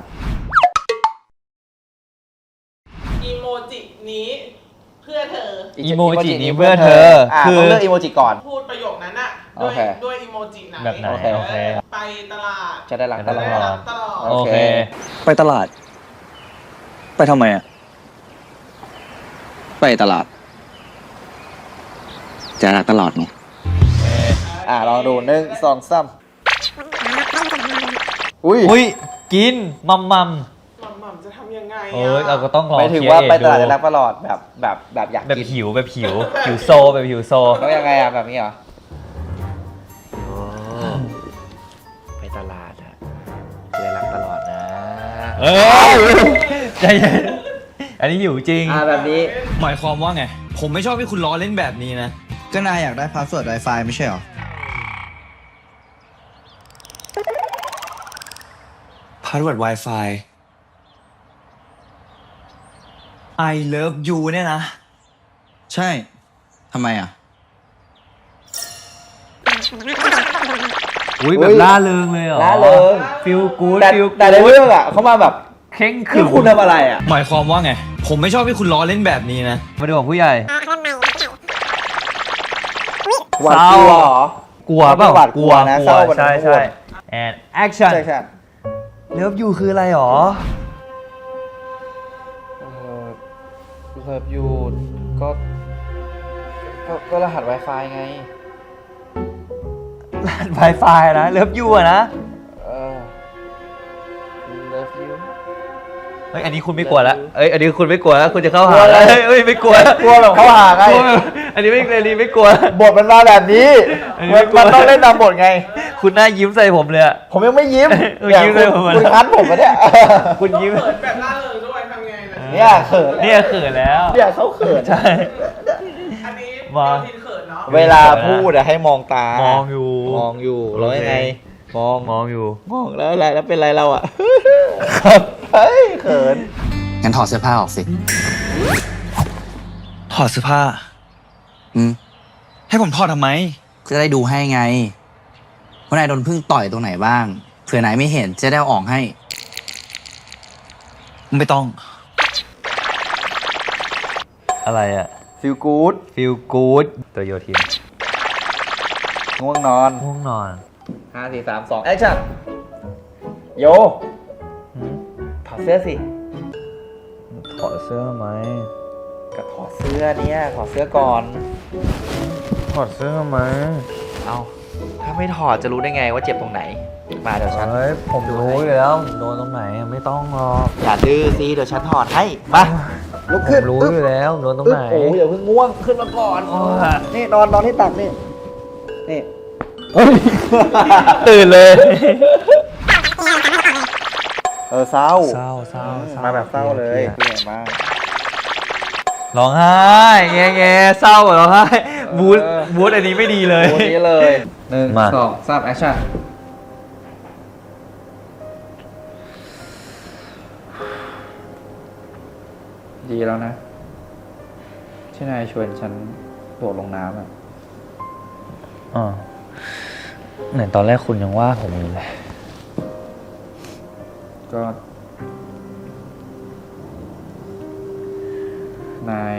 [SPEAKER 5] อีโมจินี้เพื่อเธอ
[SPEAKER 2] อีโมจินี้เพื่อเธอ
[SPEAKER 4] อ่ะ
[SPEAKER 2] คือ
[SPEAKER 4] ต้องเลือกอีโมจิก่อน
[SPEAKER 5] พูดประโยคนั้นอะด้วย
[SPEAKER 4] โอเค
[SPEAKER 5] ด้วยอีโมจิไหน
[SPEAKER 2] แบบไหน
[SPEAKER 4] โอเค
[SPEAKER 2] โอเค
[SPEAKER 5] ไปตลาด
[SPEAKER 4] จะได้รัก
[SPEAKER 2] จะ
[SPEAKER 4] ต
[SPEAKER 2] ได้
[SPEAKER 4] ลอ
[SPEAKER 2] รั
[SPEAKER 4] ด
[SPEAKER 2] ก
[SPEAKER 5] ตลอด
[SPEAKER 2] โอเค
[SPEAKER 9] ไปตลาด ไปทำไมอ่ะ
[SPEAKER 8] ไปตลาด จะรักตลอดไง
[SPEAKER 4] อ่ะลองดูหนึ่งสองสามอุ้ย
[SPEAKER 2] อุ้ยกินมัมมัม
[SPEAKER 5] หม่ำหม่ำจะทำยังไง
[SPEAKER 2] เอ้ยเราก็
[SPEAKER 5] อะ
[SPEAKER 2] ต้องรอ
[SPEAKER 4] ไม่ถึง
[SPEAKER 2] เคลีย
[SPEAKER 4] ว่า
[SPEAKER 2] ร์
[SPEAKER 4] ไป
[SPEAKER 2] เอง
[SPEAKER 4] ตลาด
[SPEAKER 2] ดู
[SPEAKER 4] จะรักตลอดแบบแบบแบบอยาก
[SPEAKER 2] แบบ
[SPEAKER 4] กิน
[SPEAKER 2] หิวแบบหิวหิวโซแบบหิวโซ
[SPEAKER 4] แล้วยังไงอ่ะแบบนี้เหรอไปตลาดอะจะรักตลอดนะ
[SPEAKER 2] เอ้ยใจเย็นอันนี้หิวจริง
[SPEAKER 4] อ่ะแบบนี้
[SPEAKER 6] หมายความว่าไง ผมไม่ชอบให้คุณล้อเล่นแบบนี้นะ
[SPEAKER 9] ก็นายอยากได้พาสเวิร์ด Wi-Fi ไม่ใช่หรอ พาสเวิร์ด Wi-Fi I love you เนี่ยนะ ใช่ ทำไมอ่ะ
[SPEAKER 2] อุ้ยแบบล่าเริงเลยเหรอ
[SPEAKER 4] ล่าเริง
[SPEAKER 2] ฟิลกู๊ด
[SPEAKER 4] แต่
[SPEAKER 2] ฟิล
[SPEAKER 4] แต่ในเรื่องอ่ะเขามาแบบ
[SPEAKER 2] เข่งขรึ
[SPEAKER 4] คือ
[SPEAKER 2] ม
[SPEAKER 4] คุณทำอะไรอ่ะ
[SPEAKER 6] หมายความว่าไง ผมไม่ชอบให้คุณล้อเล่นแบบนี้นะ
[SPEAKER 2] มาดูของผู้ใหญ่
[SPEAKER 4] หวาดกลัวเหรอ
[SPEAKER 2] กลัวเปล่า
[SPEAKER 4] หวาดกลัวนะเศร้ามัน
[SPEAKER 2] ใช่
[SPEAKER 4] ทั้งหม
[SPEAKER 2] ใช่
[SPEAKER 4] ด
[SPEAKER 2] and action
[SPEAKER 4] ใช่ใช่
[SPEAKER 2] เลิฟยูคืออะไรหรอ
[SPEAKER 4] เลิฟยูก็ก็ก็รหัส Wi-Fi ไง
[SPEAKER 2] รหัส Wi-Fi นะเลิฟยูอะนะ
[SPEAKER 4] เออ Love you
[SPEAKER 2] เฮ้ยอันนี้คุณไม่กลัวแล้วเอ้ยอันนี้คุณไม่กลัวแล้วคุณจะเข้าก
[SPEAKER 4] ลั
[SPEAKER 2] หาว
[SPEAKER 4] อะไร
[SPEAKER 2] เฮ้ยเฮ้ยไม่กลัว
[SPEAKER 4] กลัวแบบเข้าหาไง
[SPEAKER 2] กลัวแบบอันนี้ไม่อันนี้ไม่กลัว
[SPEAKER 4] บทมันมาแบบนี้
[SPEAKER 2] อันนี้
[SPEAKER 4] มัน
[SPEAKER 2] ไม่กลัว
[SPEAKER 4] มันต้องเล่นตามบทไง
[SPEAKER 2] คุณหน้ายิ้มใส่ผมเลยอะ
[SPEAKER 4] ผมยังไม่ยิ้ม
[SPEAKER 2] เออ
[SPEAKER 4] เนี่ย
[SPEAKER 2] ยิ้ม
[SPEAKER 4] คุ
[SPEAKER 2] เล
[SPEAKER 4] ณ
[SPEAKER 2] ยผมอะ
[SPEAKER 4] คุณคัดผมมาเนี่ย
[SPEAKER 2] คุณยิ้ม
[SPEAKER 5] เขินแบบล่าเริงด้วยทำไงล่ะ
[SPEAKER 4] เนี่ยเขิน
[SPEAKER 2] เนี่ยเขินแล้ว
[SPEAKER 4] เนี่ยเขาเขิน
[SPEAKER 2] ใช่
[SPEAKER 5] อันนี้
[SPEAKER 2] มา
[SPEAKER 5] โยทินเขินเนาะ
[SPEAKER 4] เวลาพูดอะให้มองตาม
[SPEAKER 2] องอยู่
[SPEAKER 4] มองอยู่
[SPEAKER 2] โอเค
[SPEAKER 4] แล้วยังไงมอง
[SPEAKER 2] มองอยู่
[SPEAKER 4] มองแล้วอะไรแล้วเป็นไรเราอ่ะ
[SPEAKER 2] ครับ
[SPEAKER 4] เฮ้ยเขิน
[SPEAKER 3] งั้นถอดเสื้อผ้าออกสิ
[SPEAKER 6] ถอดเสื้อผ้า
[SPEAKER 3] อืม
[SPEAKER 6] ให้ผมถอดทำไม
[SPEAKER 3] จะได้ดูให้ไงว่านายโดนพึ่งต่อยตรงไหนบ้าง เผื่อนายไม่เห็นจะได้เอาออกให้
[SPEAKER 6] ไม่ต้อง
[SPEAKER 2] อะไรอะ
[SPEAKER 4] ฟิลกู๊ด
[SPEAKER 2] feel good ตัวโยทิน
[SPEAKER 4] ง่วงนอน
[SPEAKER 2] ง่วงนอน
[SPEAKER 4] ห้าสี่สามสองแอคชั่นโยถอดเสื้อสิ
[SPEAKER 2] ถอดเสื้อไหม
[SPEAKER 4] ก็ถอดเสื้อเนี่ยถอดเสื้อก่อน
[SPEAKER 2] ถอดเสื้อไหม
[SPEAKER 4] เอาถ้าไม่ถอดจะรู้ได้ไงว่าเจ็บตรงไหน มาเดี๋ยวฉัน
[SPEAKER 2] เฮ้ยผมรู้อยู่แล้วผมโดนตรงไหนไม่ต้องหรอก
[SPEAKER 4] อย่าดื้อสิเดี๋ยวฉันถอดให้ มาลุก
[SPEAKER 2] ผ
[SPEAKER 4] ขึ้น
[SPEAKER 2] มรู้อยู่แล้วโดนตรง
[SPEAKER 4] อึ๊บ
[SPEAKER 2] ไหน
[SPEAKER 4] โอ้ยอย่าเพิ่งง่วงขึ้นมาก่อน
[SPEAKER 2] โอ้ย
[SPEAKER 4] นี่นอนนอนที่ตักนี่ นี่
[SPEAKER 2] ตื่นเลย
[SPEAKER 4] เออเศร้า
[SPEAKER 2] เศร้าเศร้าเศร้า
[SPEAKER 4] มาแบบเศร้าเลย
[SPEAKER 2] ครี
[SPEAKER 4] เก่งมาก
[SPEAKER 2] ร้องไห้แง่แง่เศร้าร้องไห้บูธ
[SPEAKER 4] เออ
[SPEAKER 2] บูธอันนี้ไม่ดีเลย
[SPEAKER 4] โอ้นี้เลยหนึ่ง
[SPEAKER 2] มา
[SPEAKER 4] สองสามแอคชั่นดีแล้วนะ ที่นายชวนฉันโดดลงน้ำอ่ะ
[SPEAKER 2] อ๋อไหนตอนแรกคุณยังว่าผมอยู่เลย
[SPEAKER 4] ก็ นาย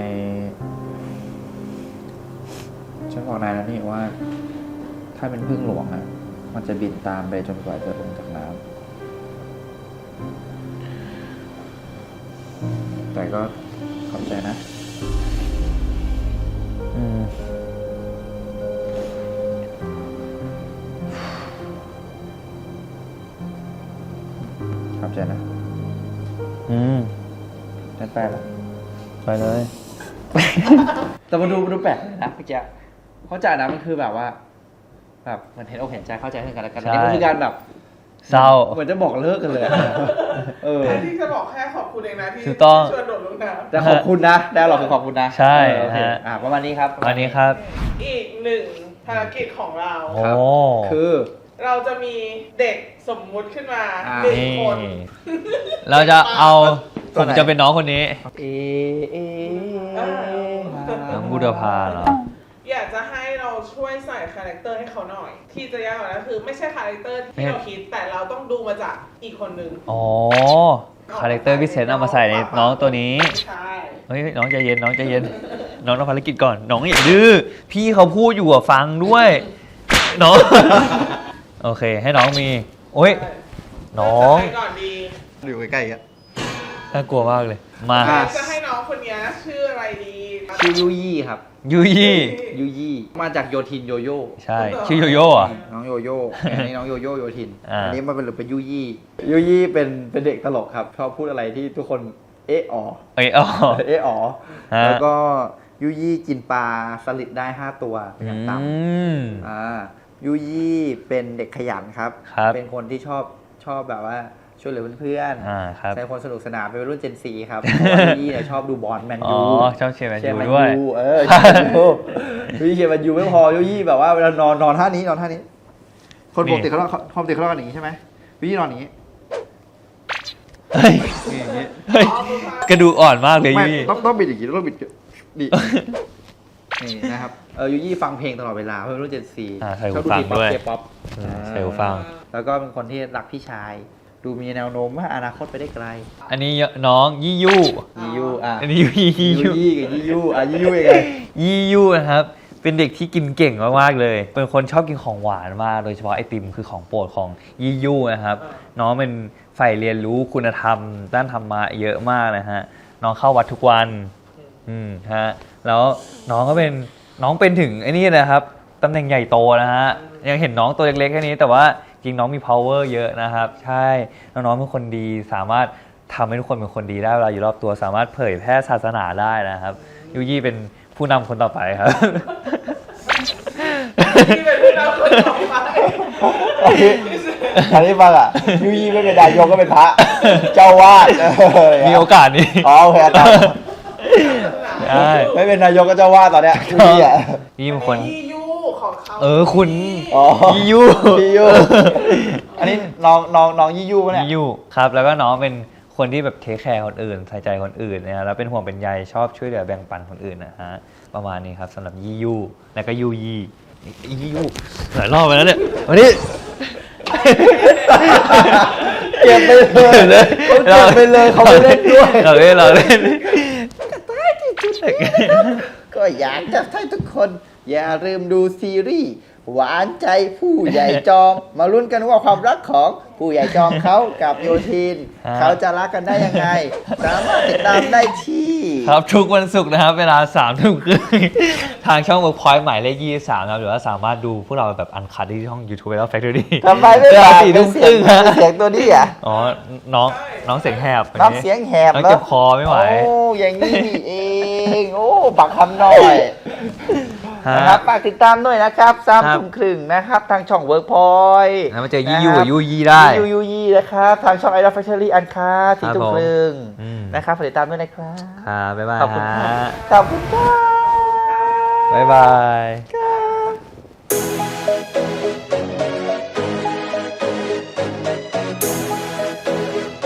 [SPEAKER 4] ฉันบอกนายแล้วนี่ว่า ถ้าเป็นพึ่งหลวงอ่ะ มันจะบินตามไปจนกว่าจะลงจากน้ำแต่ก็ขอบใจนะ
[SPEAKER 2] อืม
[SPEAKER 4] ขอบใจนะ
[SPEAKER 2] อืม
[SPEAKER 4] ฉันไปแล้ว
[SPEAKER 2] ไปเลย
[SPEAKER 4] แต่มันดูมันดูแปลกเลยนะเมื่อกี้เข้าใจนะมันคือแบบว่า แบบเหมือนเห็นอกเห็นใจเข้าใจซึ่งกันและกัน
[SPEAKER 2] ใช่
[SPEAKER 4] อันนี้มันคือการแบบ
[SPEAKER 2] เศร้า
[SPEAKER 4] เหมือนจะบอกเลิกกันเลยอะเออ
[SPEAKER 5] ที่จะบอกแค่ขอบคุณเองนะที่
[SPEAKER 2] ถูกต้อง
[SPEAKER 5] ชวนโดดลงน้ำ
[SPEAKER 4] แต่ขอบคุณนะได้หรอกคือขอบคุณนะ
[SPEAKER 2] ใช่
[SPEAKER 4] เออโอเค
[SPEAKER 2] ฮะ
[SPEAKER 4] อ่ะประมาณนี้ครับ
[SPEAKER 2] วันนี้ครับ
[SPEAKER 5] อีกหนึ่งภารกิจของเรา
[SPEAKER 2] โอ้
[SPEAKER 4] ครับคือ
[SPEAKER 5] เราจะมีเด็กสมมุติขึ้นมา
[SPEAKER 4] อ่า
[SPEAKER 5] หนึ่ง
[SPEAKER 2] นี่
[SPEAKER 5] คน
[SPEAKER 2] เราจะเอา
[SPEAKER 4] ตั
[SPEAKER 2] ผ
[SPEAKER 4] ว
[SPEAKER 2] ม
[SPEAKER 4] ไหน
[SPEAKER 2] จะเป็นน้องคนนี้
[SPEAKER 4] เอเอ
[SPEAKER 2] น้องบูดาภาเหรอ
[SPEAKER 5] อยากจะให้เราช่วยใส่คาแรคเตอร์ให้เขาหน่อย ที่จะยากกว่านั้นคือไม่ใช่คาแรคเตอร์ที่เราคิดแต่เราต้องดูมาจากอีกคนนึง
[SPEAKER 2] อ๋อ คาแรคเตอร์พิเศษเอามาใส่ในน้องตัวนี้
[SPEAKER 5] ใช่
[SPEAKER 2] เฮ้ยน้องใจเย็นน้องใจเย็น น้องทำภารกิจก่อน น้องอย่าดื้อ พี่เขาพูดอยู่อะฟังด้วย น้อง โอเค ให้น้องมี โอ้ย น้อง
[SPEAKER 5] จะให้ก่อนดี
[SPEAKER 4] อยู่ใกล้ๆกัน
[SPEAKER 2] น่ากลัวมากเลย มา
[SPEAKER 4] อ่ะ
[SPEAKER 5] จะให้น้องคนเนี้ยชื่ออะไรดี
[SPEAKER 4] ชื่อยูยี่ครับ
[SPEAKER 2] ยุยี่
[SPEAKER 4] ยูยี่มาจากโยทินโยโย่
[SPEAKER 2] ใช่ ชื่อโยโย่เหรอะ
[SPEAKER 4] น้องโยโย่อันนี้น้องโยโย่โยทิน
[SPEAKER 2] อ่า
[SPEAKER 4] อันนี้มันเป็นเป็นยูยี่ยูยี่เป็นเป็นเด็กตลกครับชอบพูดอะไรที่ทุกคนเอะอ๋อ
[SPEAKER 2] เอ้ยอ๋อ
[SPEAKER 4] เอะอ๋อ
[SPEAKER 2] ฮะ
[SPEAKER 4] แล้วก็ยูยี่กินปลาสลิดได้ห้าตัวอย่างต่
[SPEAKER 2] อืม
[SPEAKER 4] ำอ่ายูยี่เป็นเด็กขยันครับ
[SPEAKER 2] ครับ
[SPEAKER 4] เป็นคนที่ชอบชอบแบบว่าช่วยเหลือเพื่อน
[SPEAKER 2] อ่าครับ
[SPEAKER 4] ใช้คนสนุกสนานเป็นวัยรุ่นเจนซีครับเพราะว่ายูยี่เนี่ยชอบดูบอลแมน
[SPEAKER 2] อ๋อ
[SPEAKER 4] ยู
[SPEAKER 2] ชอบเชียร์แมน
[SPEAKER 4] เชียร์
[SPEAKER 2] ยู
[SPEAKER 4] แมน
[SPEAKER 2] ด้วย
[SPEAKER 4] ยูเออเชียร์แมนยูยูยี่เชียร์แมนยูไม่พอยูยี่แบบว่าเวลานอนนอนท่านี้นอนท่านี้ คนปกติเขาต้องปกติเขาต้องกันอย่างนี้ใช่ไหมยูยี่นอนอย่างนี้
[SPEAKER 2] เฮ้ย
[SPEAKER 4] นี่อย่างนี้
[SPEAKER 2] เฮ้ย กระดูกอ่อนมากเลย
[SPEAKER 4] ไม่
[SPEAKER 2] ยุยี่
[SPEAKER 4] ต้องต้องบิดอย่างนี้ต้องบิดดินี่นะครับเออยูยี่ฟังเพลงตลอดเวลาเพราะเป็นรุ่นเจนซี
[SPEAKER 2] อ่าใส่หูฟังด้วย
[SPEAKER 4] เคป๊อป
[SPEAKER 2] อืมใส่หูฟัง
[SPEAKER 4] แล้วก็เป็นคนที่รักพี่ชาย ดูมีแนวโน้มว่าอนาคตไปได้ไกล
[SPEAKER 2] อันนี้น้องยี่ยู
[SPEAKER 4] ยี่ยูอ่ะ
[SPEAKER 2] อันนี้ยูยี่
[SPEAKER 4] ยี่
[SPEAKER 2] ยู
[SPEAKER 4] ยี่กับยี่ยูอ่ะยี่ยูยังไง
[SPEAKER 2] ยี่ยูนะครับ เป็นเด็กที่กินเก่งมากๆเลย เป็นคนชอบกินของหวานมาก โดยเฉพาะไอติมคือของโปรดของยี่ยูนะครับ น้องเป็นใฝ่เรียนรู้คุณธรรม ด้านธรรมะเยอะมากนะฮะ น้องเข้าวัดทุกวัน อืมฮะ แล้วน้องก็เป็นน้องเป็นถึงไอ้นี่นะครับ ตำแหน่งใหญ่โตนะฮะ ยังเห็นน้องตัวเล็กๆแค่นี้ แต่ว่าจริงน้องมี power เยอะนะครับ ใช่ น้องๆเป็นคนดี สามารถทำให้ทุกคนเป็นคนดีได้เวลาอยู่รอบตัว สามารถเผยแพร่ศาสนาได้นะครับ ยูยี่เป็นผู้นำคนต่อไปครับ
[SPEAKER 5] ที่เป็นผู้นำคนต่อไป
[SPEAKER 4] อันนี้ฟังอ่ะยูยี่ไม่เป็นนายกก็เป็นพระ เจ้าวาด
[SPEAKER 2] มีโอกาสนี้
[SPEAKER 4] อ๋อโอเคตาม
[SPEAKER 2] ใช่
[SPEAKER 4] ไม่เป็นนายกก็เจ้าวาดตอนเนี้ยยูยี่อ่ะ
[SPEAKER 2] นี่เป็นคน
[SPEAKER 5] ยี่ยูขอของเขา
[SPEAKER 2] เออคุณ
[SPEAKER 4] อ๋อ
[SPEAKER 2] ยี่ยู
[SPEAKER 4] ยี่ยูอันนี้น้องน้องน้องยี่ยูปะเนี่ย
[SPEAKER 2] ยี่ยูครับแล้วก็น้องเป็นคนที่แบบเทคแคร์คนอื่นใส่ใจคนอื่นนะฮะแล้วเป็นห่วงเป็นใยชอบช่วยเหลือแบ่งปันคนอื่นนะฮะประมาณนี้ครับสำหรับยี่ยูแล้วก็ยูยี่ยี่ยูหลายรอบไปแล้วเนี่ยวันนี้
[SPEAKER 4] เก็บไปเลยเขาเก็บไปเลยเขาไม่เล่นด้วย
[SPEAKER 2] เราเล่นเราเล่น
[SPEAKER 4] ก็อยากจะให้ทุกคน อย่าลืมดูซีรีส์หวานใจผู้ใหญ่จอม มาลุ้นกันว่าความรักของผู้ใหญ่จอมเขากับโยทิน
[SPEAKER 2] ฮะ
[SPEAKER 4] เขาจะรักกันได้ยังไง สามารถติดตามได้ที่
[SPEAKER 2] ครับทุกวันศุกร์นะครับเวลาสามทุ่มครึ่งทางช่อง Workpoint หมายเลขยี่สิบสามนะครับหรือว่าสามารถดูพวกเราแบบอันคัดที่ช่อง YouTube แล้ว Factory
[SPEAKER 4] ทำไมไม่
[SPEAKER 2] เวลา
[SPEAKER 4] ฝาก
[SPEAKER 2] สี่
[SPEAKER 4] เป็
[SPEAKER 2] ทุ่
[SPEAKER 4] น
[SPEAKER 2] ม
[SPEAKER 4] เสี
[SPEAKER 2] ค
[SPEAKER 4] ย
[SPEAKER 2] รึ่
[SPEAKER 4] ง
[SPEAKER 2] งฮะ
[SPEAKER 4] เป็นเสียงตัวนี้อ่ะ
[SPEAKER 2] อ๋อน้องน้องเสียงแหบ
[SPEAKER 4] น้องเสียงแหบ
[SPEAKER 2] น้อง
[SPEAKER 4] แล้ว
[SPEAKER 2] เจ็บคอไม่ไหว
[SPEAKER 4] โอ้อย่างนี้นี่เองโอ้ปักคำหน่อย
[SPEAKER 2] ฮะ
[SPEAKER 4] นะครับฝากติดตามด้วยนะครับสาม
[SPEAKER 2] ครับ
[SPEAKER 4] ทุ่มครึ่งนะครับ ทางช่อง Workpoint
[SPEAKER 2] แล้วมาเจอยี่ยูกับยูยี่ได้
[SPEAKER 4] ยูยูยี่นะครับ ทางช่อง Idol Factory อันคาสี่
[SPEAKER 2] ครับ
[SPEAKER 4] ทุ่ม
[SPEAKER 2] ผม
[SPEAKER 4] ครึ่ง
[SPEAKER 2] อืม
[SPEAKER 4] นะครับฝากติดตามด้วยนะครับ
[SPEAKER 2] ครับบ๊ายบาย
[SPEAKER 4] ขอบคุณครั
[SPEAKER 2] ฮะ
[SPEAKER 4] บขอบคุณครับ
[SPEAKER 2] บ๊ายบาย
[SPEAKER 4] ครับ